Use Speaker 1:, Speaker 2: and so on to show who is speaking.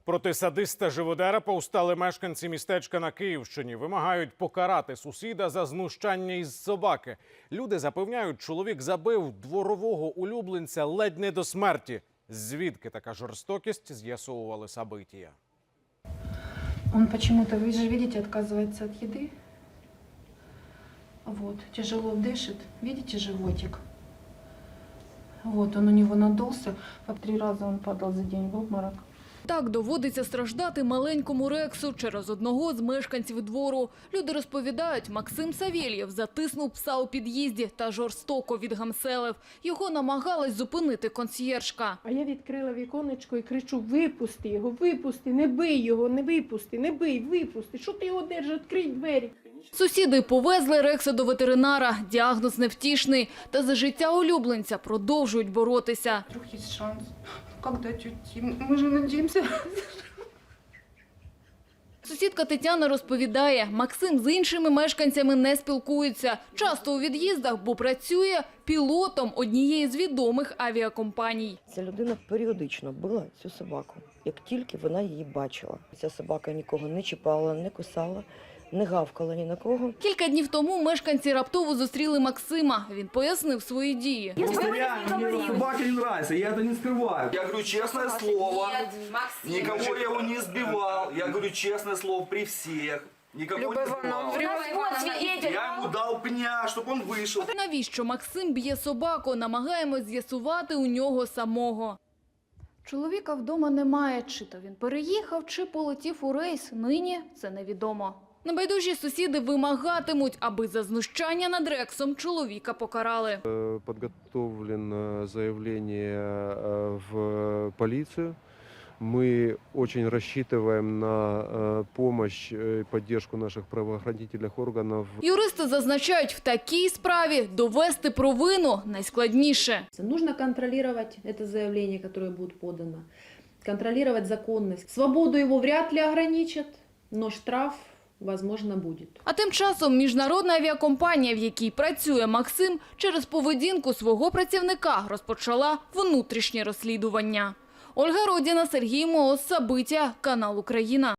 Speaker 1: Проти садиста-живодера повстали мешканці містечка на Київщині. Вимагають покарати сусіда за знущання із собаки. Люди запевняють, чоловік забив дворового улюбленця ледь не до смерті. Звідки така жорстокість, з'ясовували события.
Speaker 2: Он почему-то, вы же видите, отказывается от еды. Вот, тяжело дышит. Видите животик? Вот, он у него надулся. По 3 раза он падал за день в обморок.
Speaker 3: Так доводиться страждати маленькому Рексу через одного з мешканців двору. Люди розповідають, Максим Савєлєв затиснув пса у під'їзді та жорстоко відгамселив. Його намагалась зупинити консьєржка.
Speaker 2: А я відкрила віконечко і кричу: випусти його, випусти, не бий його, не випусти, не бий, випусти. Що ти його держиш, відкрий двері.
Speaker 3: Сусіди повезли Рекса до ветеринара. Діагноз невтішний. Та за життя улюбленця продовжують боротися.
Speaker 2: Вдруг есть шанс. Когда тетя? Мы же надеемся.
Speaker 3: Сусідка Тетяна розповідає, Максим з іншими мешканцями не спілкується. Часто у від'їздах, бо працює пілотом однієї з відомих авіакомпаній.
Speaker 4: Ця людина періодично била цю собаку, як тільки вона її бачила. Ця собака нікого не чіпала, не кусала, не гавкала ні на кого.
Speaker 3: Кілька днів тому мешканці раптово зустріли Максима. Він пояснив свої дії.
Speaker 5: Мне собаки не нравятся, я это не скрываю. Я говорю честное слово, никого я его не сбивал. Я говорю честное слово при всех. Никого не сбивал. Я ему дал пня, чтобы он вышел.
Speaker 3: Навіщо Максим б'є собаку, намагаємось з'ясувати у нього самого. Чоловіка вдома немає. Чи то він переїхав, чи полетів у рейс. Нині це невідомо. Небайдужі сусіди вимагатимуть, аби за знущання над Рексом чоловіка покарали.
Speaker 6: Подготовлено заявление в полицию. Мы очень рассчитываем на помощь и поддержку наших правоохранительных органов.
Speaker 3: Юристи зазначають, в такій справі довести провину найскладніше.
Speaker 7: Нужно контролировать это заявление, которое будет подано, контролировать законность. Свободу его вряд ли ограничат, но штраф, возможно, будет.
Speaker 3: А тим часом міжнародна авіакомпанія, в якій працює Максим, через поведінку свого працівника розпочала внутрішнє розслідування. Ольга Родіна, Сергій Моос, события, канал Україна.